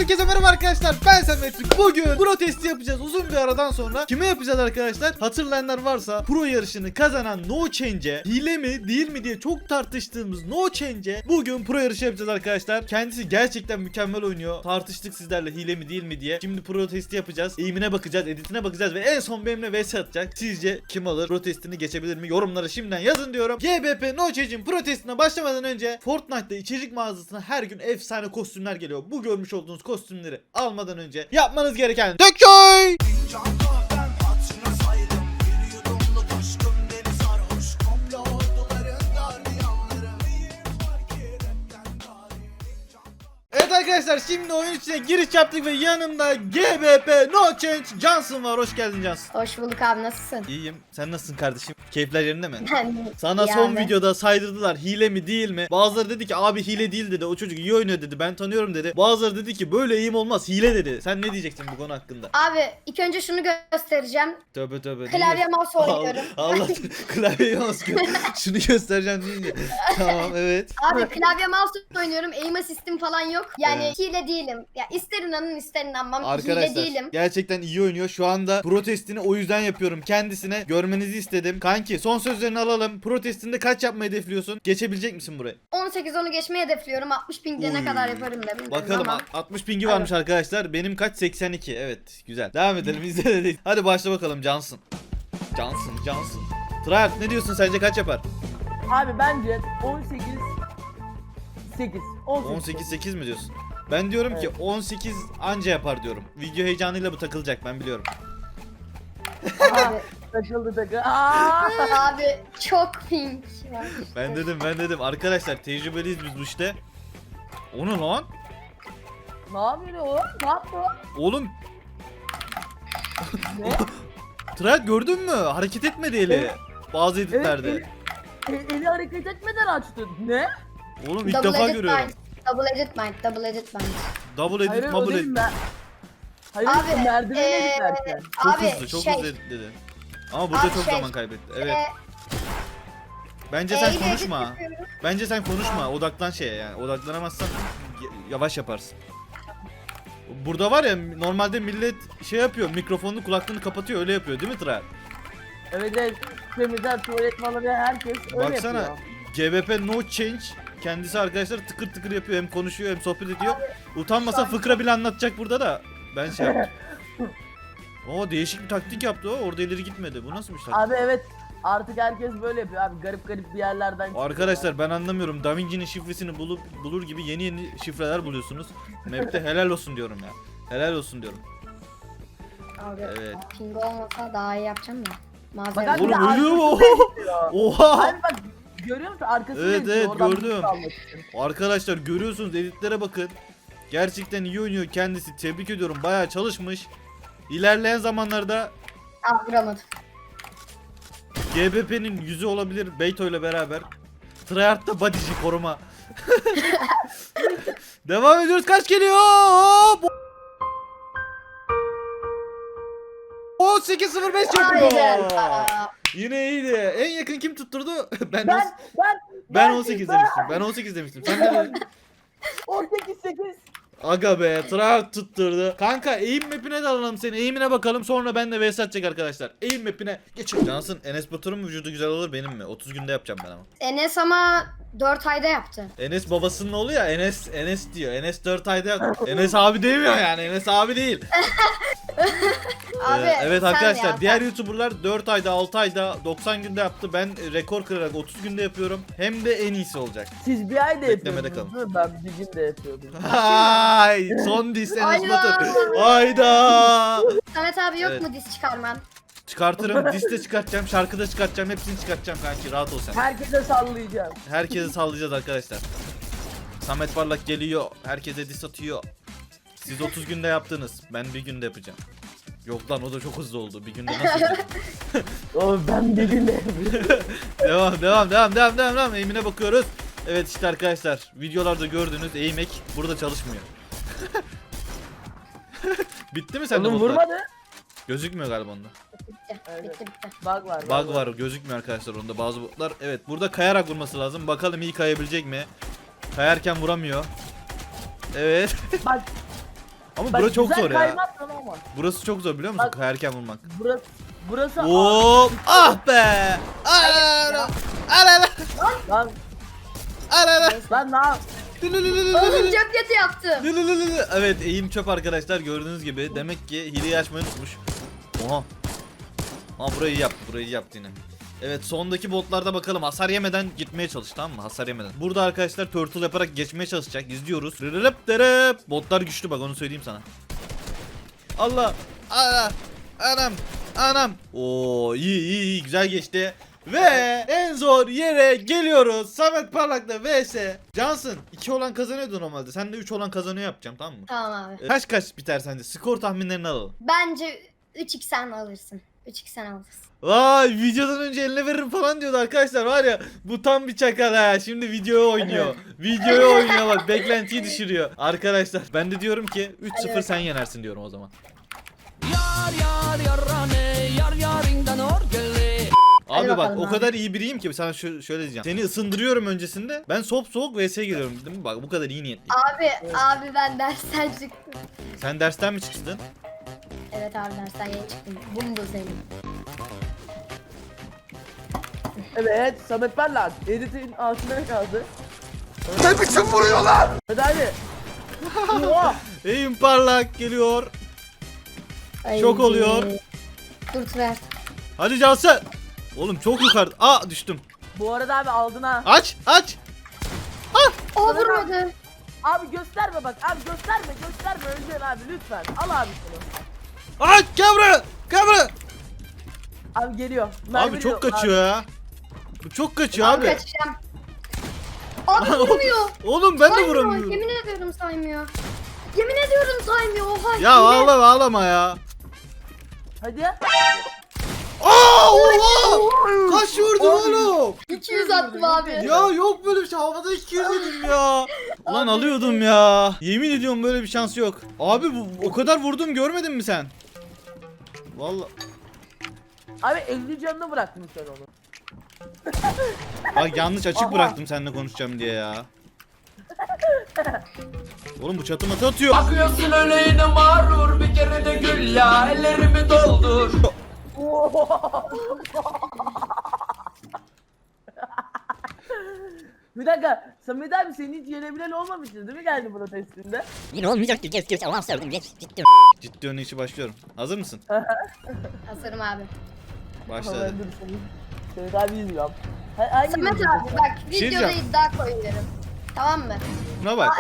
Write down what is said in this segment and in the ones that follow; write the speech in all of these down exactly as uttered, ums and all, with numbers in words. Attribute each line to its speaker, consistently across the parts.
Speaker 1: Herkese merhaba arkadaşlar, ben Samet. Bugün pro testi yapacağız uzun bir aradan sonra. Kime yapacağız arkadaşlar? Hatırlayanlar varsa pro yarışını kazanan No Change'e hile mi değil mi diye çok tartıştığımız No Change'e bugün pro yarışı yapacağız arkadaşlar. Kendisi gerçekten mükemmel oynuyor. Tartıştık sizlerle hile mi değil mi diye. Şimdi pro testi yapacağız. Eğimine bakacağız, editine bakacağız ve en son benimle vs atacak. Sizce kim alır? Pro testini geçebilir mi? Yorumlara şimdiden yazın diyorum. G B P No Change'in pro testine başlamadan önce Fortnite'da içerik mağazasına her gün efsane kostümler geliyor. Bu görmüş olduğunuz kostümleri almadan önce yapmanız gereken Dököy! Evet arkadaşlar, şimdi oyun içine giriş yaptık ve yanımda G B P No Change Johnson var. Hoş geldin Johnson.
Speaker 2: Hoş bulduk abi, nasılsın?
Speaker 1: İyiyim. Sen nasılsın kardeşim? Keyifler yerinde mi?
Speaker 2: Ben
Speaker 1: Sana
Speaker 2: iyi
Speaker 1: son
Speaker 2: abi.
Speaker 1: videoda saydırdılar hile mi değil mi? Bazıları dedi ki abi hile değil dedi. O çocuk iyi oynuyor dedi. Ben tanıyorum dedi. Bazıları dedi ki böyle eğim olmaz, hile dedi. Sen ne diyeceksin bu konu hakkında?
Speaker 2: Abi ilk önce şunu göstereceğim.
Speaker 1: Tövbe tövbe.
Speaker 2: Klavye mouse oynuyorum.
Speaker 1: Allah, Allah klavye mouse gö- şunu göstereceğim deyince. Tamam, evet.
Speaker 2: Abi klavye mouse oynuyorum. Aim assist'im falan yok. Yani
Speaker 1: Evet.
Speaker 2: hile değilim. Ya ister inanın ister inanmam. Hile
Speaker 1: Arkadaşlar
Speaker 2: değilim.
Speaker 1: gerçekten iyi oynuyor. Şu anda protestini o yüzden yapıyorum. Kendisine görmenizi istedim. Kanki son sözlerini alalım. Protestinde kaç yapmayı hedefliyorsun? Geçebilecek misin burayı?
Speaker 2: on sekiz onu geçmeyi hedefliyorum. altmış pingde ne
Speaker 1: Uy.
Speaker 2: kadar yaparım da bilmiyorum
Speaker 1: Bakalım,
Speaker 2: ama.
Speaker 1: altmış pingi varmış arkadaşlar. Benim kaç? seksen iki. Evet, güzel. Devam edelim. İzledik. Hadi başla bakalım Johnson. Johnson, Johnson. Tryhard ne diyorsun, sence kaç yapar?
Speaker 3: Abi bence on sekiz sekiz
Speaker 1: on sekiz sekiz mi diyorsun? Ben diyorum ki
Speaker 3: Evet.
Speaker 1: on sekiz anca yapar diyorum. Video heyecanıyla bu takılacak, ben biliyorum.
Speaker 2: Abi,
Speaker 3: Taşıldı takı. Aa!
Speaker 2: abi çok ping var.
Speaker 1: Ben dedim ben dedim arkadaşlar, tecrübeliyiz biz bu işte. O ne lan?
Speaker 3: Ne yapıyor o? Ne yaptı o?
Speaker 1: Oğlum
Speaker 3: Ne?
Speaker 1: Tryhard gördün mü? Hareket etmedi eli. Bazı editlerde.
Speaker 3: Evet, eli, e- eli hareket etmeden açtı. Ne?
Speaker 1: Oğlum ilk
Speaker 2: Double
Speaker 1: defa
Speaker 2: edit
Speaker 1: görüyorum.
Speaker 2: mind. Double edit mind. Double edit mind.
Speaker 1: Double
Speaker 3: Hayır
Speaker 1: edit,
Speaker 3: o
Speaker 1: double
Speaker 3: değil
Speaker 1: edit.
Speaker 3: ben. Hayır
Speaker 2: Abi,
Speaker 3: merdivene
Speaker 2: ee,
Speaker 3: giderken.
Speaker 1: Çok
Speaker 2: abi
Speaker 1: hızlı, çok
Speaker 2: şey.
Speaker 1: hızlı editledi. Ama burada
Speaker 2: Abi
Speaker 1: çok
Speaker 2: şey,
Speaker 1: zaman kaybetti. Evet.
Speaker 2: e,
Speaker 1: Bence
Speaker 2: e,
Speaker 1: sen
Speaker 2: ile
Speaker 1: konuşma.
Speaker 2: edit yapıyorum.
Speaker 1: Bence sen konuşma. Odaklan şeye yani. Odaklanamazsan y- yavaş yaparsın. Burada var ya, normalde millet şey yapıyor. Mikrofonunu, kulaklığını kapatıyor, öyle yapıyor değil mi Tryhard?
Speaker 3: Evet evet. Temizler, tuvalet malı ve herkes öyle
Speaker 1: Baksana.
Speaker 3: yapıyor.
Speaker 1: G B P No Change kendisi arkadaşlar tıkır tıkır yapıyor, hem konuşuyor hem sohbet ediyor. Utanmasa fıkra bile anlatacak burada da. Ben şey yaptım. Oo, değişik bir taktik yaptı o. Orada ileri gitmedi. Bu nasıl bir taktik?
Speaker 3: Abi evet. Artık herkes böyle yapıyor abi. Garip garip bir yerlerden çıkıyor.
Speaker 1: Arkadaşlar ben anlamıyorum. Da Vinci'nin şifresini bulup bulur gibi yeni yeni şifreler buluyorsunuz. Map'te helal olsun diyorum ya. Helal olsun diyorum.
Speaker 2: Abi
Speaker 1: Evet.
Speaker 2: ping olmasa daha iyi yapacağım ya.
Speaker 3: Bak
Speaker 2: Malzeme.
Speaker 3: abi,
Speaker 1: Oğlum
Speaker 3: arkası
Speaker 1: ölüyor mu?
Speaker 3: gidiyor.
Speaker 1: Oha!
Speaker 3: Abi bak görüyor musun arkasını
Speaker 1: Evet,
Speaker 3: izliyor,
Speaker 1: evet,
Speaker 3: oradan
Speaker 1: gördüm.
Speaker 3: bir almak için.
Speaker 1: Arkadaşlar görüyorsunuz, editlere bakın. Gerçekten iyi oynuyor kendisi. Tebrik ediyorum. Bayağı çalışmış. İlerleyen zamanlarda
Speaker 2: Ah, vuramadım.
Speaker 1: G B P'nin yüzü olabilir Beyto ile beraber. Tryhard'da bodyci koruma. Devam ediyoruz. Kaç geliyor? Hop! on sekiz sıfır beş yapıyor.
Speaker 2: Hayda.
Speaker 1: Yine iyiydi. En yakın kim tutturdu? ben
Speaker 3: Ben
Speaker 1: on-
Speaker 3: ben
Speaker 1: ben on sekiz demiştim. Ben on sekiz demiştim. Sen ne dedin?
Speaker 3: on sekiz sekiz.
Speaker 1: Aga be, Tryhard tutturdu. Kanka aim map'ine de alalım seni. Aim'ine bakalım, sonra ben de vs atacak arkadaşlar. Aim map'ine geçelim. Cansın, Enes Batur'un vücudu güzel olur benim mi? otuz günde yapacağım ben ama.
Speaker 2: Enes ama dört ayda yaptı.
Speaker 1: Enes babasının oğlu ya, Enes Enes diyor. Enes dört ayda yaptı. Enes abi demiyor yani. Enes abi değil.
Speaker 2: Abi
Speaker 1: Ee, evet
Speaker 2: sen
Speaker 1: arkadaşlar,
Speaker 2: ya,
Speaker 1: diğer
Speaker 2: sen.
Speaker 1: YouTuber'lar dört ayda, altı ayda, doksan günde yaptı. Ben rekor kırarak otuz günde yapıyorum. Hem de en iyisi olacak.
Speaker 3: Siz bir ayda
Speaker 1: Beklemede
Speaker 3: yapıyordunuz değil mi? Ben bir günde yapıyordum.
Speaker 1: Hay, son diss Enes
Speaker 2: Hayda.
Speaker 1: Batur. Hayda.
Speaker 2: Samet abi yok
Speaker 1: Evet.
Speaker 2: mu diz çıkarman?
Speaker 1: Çıkartırım, liste çıkartacağım, şarkıda çıkartacağım, hepsini çıkartacağım kanki, rahat ol sen.
Speaker 3: Herkese sallayacağım.
Speaker 1: Herkese sallayacağız arkadaşlar. Samet Parlak geliyor, herkese diss atıyor. Siz otuz günde yaptınız, ben bir günde yapacağım. Yok lan, o da çok hızlı oldu, bir günde nasıl yapacağım?
Speaker 3: Oğlum ben bir günde yapıyorum.
Speaker 1: Devam, devam, devam, devam, devam, devam, aim'ine bakıyoruz. Evet işte arkadaşlar, videolarda gördüğünüz aim hack burada çalışmıyor. Bitti mi sende
Speaker 3: Oğlum
Speaker 1: botlar?
Speaker 3: vurmadı.
Speaker 1: Gözükmüyor galiba onda.
Speaker 2: Bitti.
Speaker 3: Evet.
Speaker 2: Bitti bitti.
Speaker 3: Bug var.
Speaker 1: Bug var, gözükmüyor arkadaşlar onda bazı botlar. Evet, burada kayarak vurması lazım. Bakalım iyi kayabilecek mi? Kayarken vuramıyor. Evet.
Speaker 3: Bak
Speaker 1: Ama
Speaker 3: Bak,
Speaker 1: burası çok
Speaker 3: güzel
Speaker 1: zor ya.
Speaker 3: kaymak lan ama.
Speaker 1: Burası çok zor biliyor musun?
Speaker 3: Bak-
Speaker 1: Kayarken vurmak.
Speaker 3: Burası burası
Speaker 1: Hop! Ah be! Ala! Ala!
Speaker 3: lan
Speaker 1: Ala!
Speaker 3: lan ne yap?
Speaker 2: Oğlum cep yatı yaptım.
Speaker 1: Evet, eğim çöp arkadaşlar, gördüğünüz gibi. Demek ki hileyi açmayı unutmuş. Oha. Ha, burayı yaptı, burayı yaptı yine. Evet, sondaki botlarda bakalım, hasar yemeden gitmeye çalış, tamam mı? Hasar yemeden. Burada arkadaşlar turtle yaparak geçmeye çalışacak. İzliyoruz. Rırırıp dırıp. Botlar güçlü, bak onu söyleyeyim sana. Allah. Allah. Anam. Anam. Oo, iyi iyi iyi, güzel geçti. Ve en zor yere geliyoruz. Samet Parlak'la vs Johnson. iki olan kazanıyordu normalde. Sen de üç olan kazanıyor yapacağım, tamam mı?
Speaker 2: Tamam abi.
Speaker 1: Ee, Kaç kaç biter sence? Skor tahminlerini alalım.
Speaker 2: Bence üç x sen alırsın. üç x sen alırsın.
Speaker 1: Vay, videodan önce eline veririm falan diyordu arkadaşlar, var ya, bu tam bir çakal ha. Şimdi videoya oynuyor. Videoya oynuyor, bak beklentiyi düşürüyor. Arkadaşlar ben de diyorum ki üç sıfır sen yenersin diyorum o zaman.
Speaker 4: Yar yar yarane yar yarindan orgele.
Speaker 1: Abi bak,
Speaker 2: bakalım
Speaker 1: o
Speaker 2: abi.
Speaker 1: kadar iyi biriyim ki sana şö- şöyle diyeceğim. Seni ısındırıyorum öncesinde. Ben sop soğuk vs'ye geliyorum, değil mi? Bak bu kadar iyi niyetliyim.
Speaker 2: Abi abi ben dersten çıktım.
Speaker 1: Sen dersten mi çıktın?
Speaker 2: Evet abi dersten yeni çıktım. Bunu da senin.
Speaker 3: Evet Samet Parlak editin altında kaldı.
Speaker 5: Ne biçim vuruyorlar?
Speaker 3: Hadi hadi. Oha.
Speaker 1: Eğim Parlak geliyor.
Speaker 2: Ay,
Speaker 1: Şok oluyor.
Speaker 2: Dur Tüver.
Speaker 1: Hadi Cansın. Oğlum çok yukarı. Aa, düştüm.
Speaker 3: Bu arada abi aldın ha.
Speaker 1: Aç aç.
Speaker 2: O vurmadı.
Speaker 3: Abi gösterme bak abi gösterme gösterme öleceksin abi lütfen. Al abi şunu.
Speaker 1: Aç, gel buraya. Gel buraya.
Speaker 3: Abi geliyor.
Speaker 1: Abi
Speaker 3: Mermi
Speaker 1: çok
Speaker 3: diyor.
Speaker 1: kaçıyor ya. Bu çok kaçıyor
Speaker 2: Abi
Speaker 1: abi.
Speaker 2: kaçacağım. Abi vurmuyor.
Speaker 1: Oğlum ben de
Speaker 2: Saymıyor.
Speaker 1: vuramıyorum.
Speaker 2: Yemin ediyorum saymıyor. Yemin ediyorum saymıyor. Oha.
Speaker 1: Ya
Speaker 2: hile.
Speaker 1: ağlama ağlama ya.
Speaker 3: Hadi.
Speaker 1: Aa, oha! Kaç vurdun oğlum?
Speaker 2: iki yüz attım abi.
Speaker 1: Ya yok böyle bir şey. Havada iki yüz yedim ya. Ulan alıyordum ya. Yemin ediyorum böyle bir şans yok. Abi bu, o kadar vurdum, görmedin mi sen? Vallahi.
Speaker 3: Abi elli canını bıraktın sen onu.
Speaker 1: Bak yanlış açık
Speaker 3: Aha.
Speaker 1: bıraktım seninle konuşacağım diye ya. Oğlum bu çatı matı atıyor.
Speaker 4: Bakıyorsun öyle yine mağrur bir kere de gül ya ellerimi doldur.
Speaker 3: Bir dakika Samet abi senin hiç yenebilen olmamıştı değil mi geldi burada testinde?
Speaker 6: Yine olmayacaktı. Geç geç Allah sevdim. Geç ciddi.
Speaker 1: Ciddi önüne işi başlıyorum. Hazır mısın?
Speaker 2: Hazırım abi.
Speaker 1: Başladı.
Speaker 3: Ben dur Samet. Samet abi izliyorum. Ha- Hangi
Speaker 2: Samet
Speaker 3: video?
Speaker 2: abi bak
Speaker 1: şey
Speaker 2: videoda
Speaker 1: diyeceğim.
Speaker 2: iddia koyuyorum. Tamam mı?
Speaker 1: Buna bak.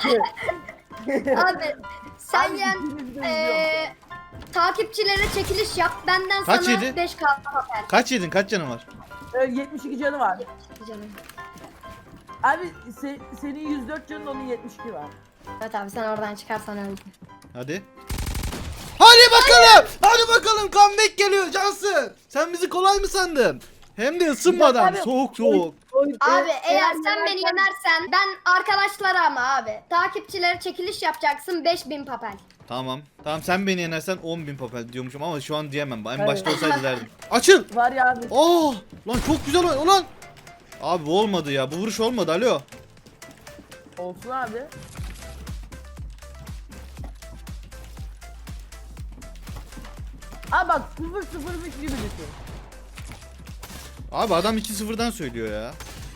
Speaker 2: Abi sen
Speaker 3: Abi,
Speaker 2: yen
Speaker 3: ikimiz de izliyorum.
Speaker 2: eee takipçilere çekiliş yap. Benden
Speaker 1: Kaç
Speaker 2: sana
Speaker 1: yedi?
Speaker 2: beş k papel.
Speaker 1: Kaç yedin? Kaç canın var?
Speaker 3: Ee, yetmiş iki canı var.
Speaker 2: Canım.
Speaker 3: Abi se- senin yüz dört canın onun yetmiş iki var.
Speaker 2: Evet abi sen oradan çıkarsan öldün.
Speaker 1: Hadi. Hadi bakalım. Hadi bakalım. Comeback geliyor Cansın. Sen bizi kolay mı sandın? Hem de ısınmadan.
Speaker 3: Abi,
Speaker 1: Soğuk soğuk.
Speaker 3: Oy-
Speaker 2: Abi
Speaker 3: e-
Speaker 2: eğer sen beni yenersen ben arkadaşlara ama abi takipçilere çekiliş yapacaksın beş bin papel.
Speaker 1: Tamam. Tamam, sen beni yenersen on bin papel diyormuşum ama şu an diyemem. En
Speaker 3: Evet.
Speaker 1: başta olsaydı derdim. Açıl.
Speaker 3: Var ya abi.
Speaker 1: Oh! Lan çok güzel oyun. Ulan. Abi bu olmadı ya. Bu vuruş olmadı. Alo.
Speaker 3: Olsun abi. Abi bak sıfır sıfırmış gibi düşün.
Speaker 1: Abi adam iki sıfırdan söylüyor ya.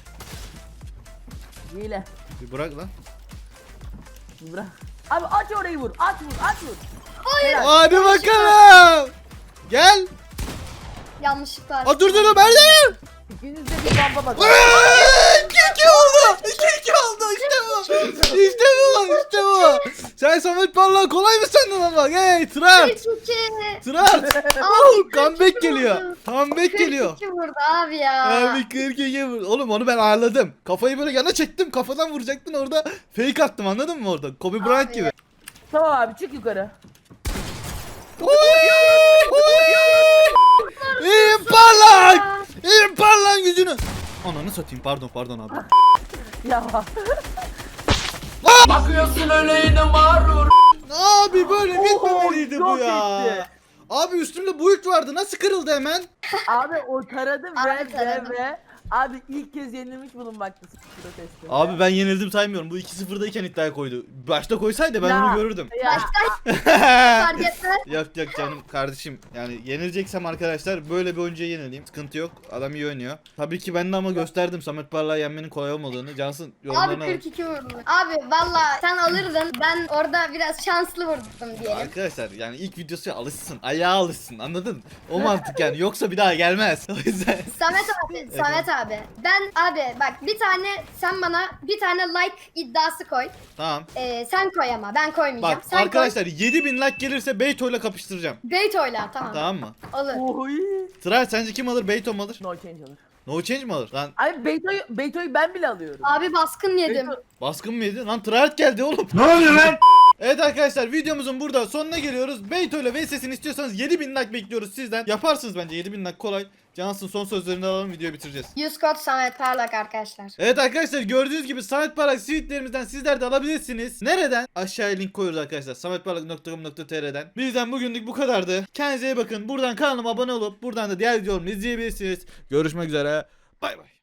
Speaker 3: Hile.
Speaker 1: Bir bırak lan.
Speaker 3: Bırak. Abi aç orayı vur. Aç vur. Aç vur.
Speaker 2: Hayır.
Speaker 1: Hadi bakalım. Gel.
Speaker 2: Yanlışlıkla.
Speaker 1: Aa, dur dur dur. Erdem.
Speaker 3: İkiniz de bir bamba bakın.
Speaker 1: iki iki oldu. iki iki oldu. İşte bu. İşte bu. İşte bu. Sen Samet Parlak kolay mı sandın ama? Hey Trat.
Speaker 2: kırk iki.
Speaker 1: Trat.
Speaker 2: Abi,
Speaker 1: Oh, comeback
Speaker 2: kırk iki
Speaker 1: geliyor.
Speaker 2: vurdu.
Speaker 1: Comeback geliyor.
Speaker 2: kırk iki vurdu abi ya.
Speaker 1: Abi kırk iki vur. Oğlum onu ben ağırladım. Kafayı böyle yana çektim. Kafadan vuracaktın, orada fake attım, anladın mı orada? Kobe Bryant
Speaker 2: Abi.
Speaker 1: gibi.
Speaker 3: Tamam abi çık yukarı.
Speaker 1: İyiyim Parlak. İyiyim Parlak yüzünü. Ananı satayım, pardon pardon abi.
Speaker 3: Ya.
Speaker 4: Bakıyorsun öyle yine mağrur.
Speaker 1: Abi böyle bitmemeliydi bu
Speaker 3: çok
Speaker 1: ya.
Speaker 3: etti.
Speaker 1: Abi üstümde build vardı, nasıl kırıldı hemen?
Speaker 3: Abi o taradı ve
Speaker 2: Abi
Speaker 3: ve
Speaker 2: taradı.
Speaker 3: ve Abi ilk kez yenilmiş bulunmaktasın protesti.
Speaker 1: Abi ben yenildim saymıyorum. Bu iki sıfırdayken iddiaya koydu. Başta koysaydı ben
Speaker 3: Ya.
Speaker 1: onu görürdüm.
Speaker 3: Ya.
Speaker 2: Fark etmez.
Speaker 1: Yok yok canım kardeşim. Yani yenileceksem arkadaşlar böyle bir oyuncuya yenileyim. Sıkıntı yok. Adam iyi oynuyor. Tabii ki ben de ama gösterdim Samet Parlak'ı yenmenin kolay olmadığını. Cansın
Speaker 2: Abi
Speaker 1: yorumlarına bak.
Speaker 2: kırk iki vurdu. Abi valla sen alırdın. Ben orada biraz şanslı vurdum diyelim.
Speaker 1: Arkadaşlar yani ilk videosu alışsın. Ayağa alışsın. Anladın? O mantık yani. Yoksa bir daha gelmez. O yüzden.
Speaker 2: Samet abi, Samet abi. Ben abi bak bir tane sen bana bir tane like iddiası koy.
Speaker 1: Tamam.
Speaker 2: Ee, sen koy ama ben koymayacağım.
Speaker 1: Bak
Speaker 2: sen
Speaker 1: arkadaşlar yedi bin like gelirse Beyto'yla kapıştıracağım.
Speaker 2: koy. Beyt oyla tamam.
Speaker 1: Tamam mı?
Speaker 2: Olur.
Speaker 3: Oy.
Speaker 1: Sıra sence kim alır? Beyto mu alır?
Speaker 3: No change olur.
Speaker 1: No change mi alır? Lan
Speaker 3: Abi Beyto'yu Beyto'yu ben bile alıyorum.
Speaker 2: Abi baskın yedim.
Speaker 3: Beyto-
Speaker 1: baskın mı yedi? Lan Tryhard geldi oğlum.
Speaker 5: Ne oluyor lan?
Speaker 1: Evet arkadaşlar videomuzun burada sonuna geliyoruz. Beyto ile V S'sini istiyorsanız yedi bin like bekliyoruz sizden. Yaparsınız bence yedi bin like kolay. Cansın son sözlerini alalım videoyu bitireceğiz.
Speaker 2: yüz kod Samet Parlak arkadaşlar.
Speaker 1: Evet arkadaşlar gördüğünüz gibi Samet Parlak sweetlerimizden sizler de alabilirsiniz. Nereden? Aşağıya link koyuyoruz arkadaşlar. sametparlak nokta com nokta tr'den. Bizden bugünlük bu kadardı. Kendinize iyi bakın. Buradan kanalıma abone olup buradan da diğer videolarımı izleyebilirsiniz. Görüşmek üzere. Bay bay.